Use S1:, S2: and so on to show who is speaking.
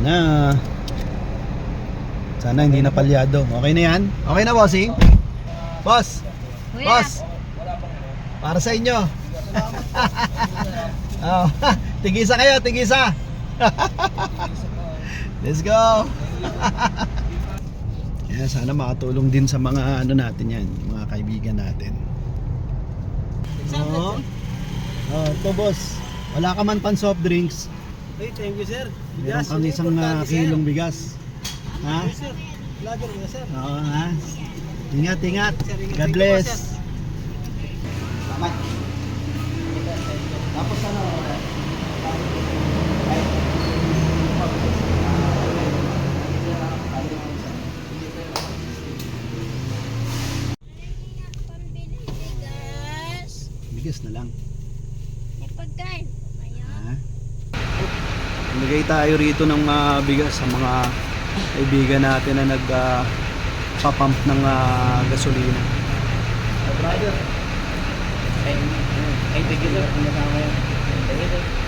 S1: na. Sana hindi na palyado. Okay na yan? Okay na, bossing? Boss!
S2: Kuya.
S1: Boss! Para sa inyo. Oh, tigisa kayo, tigisa. Let's go. Yan, sana makatulong din sa mga ano natin yan, mga kaibigan natin. Oh, ito boss. Wala ka man pan soft drinks.
S3: Hey, thank you sir.
S1: Meron kang isang kilong bigas. Ha?
S3: Sir, vlogger ko sir.
S1: Oo, ha? Ingat, ingat. God bless. Salamat. Tapos ano?
S2: Pambili bigas.
S1: Bigas na lang.
S2: May pagkain.
S1: Ha? Nagay tayo rito ng bigas sa mga kaibigan natin na nagpa-pump ng gasolina.
S3: Brother. Ay, thank you sir. Thank you sir.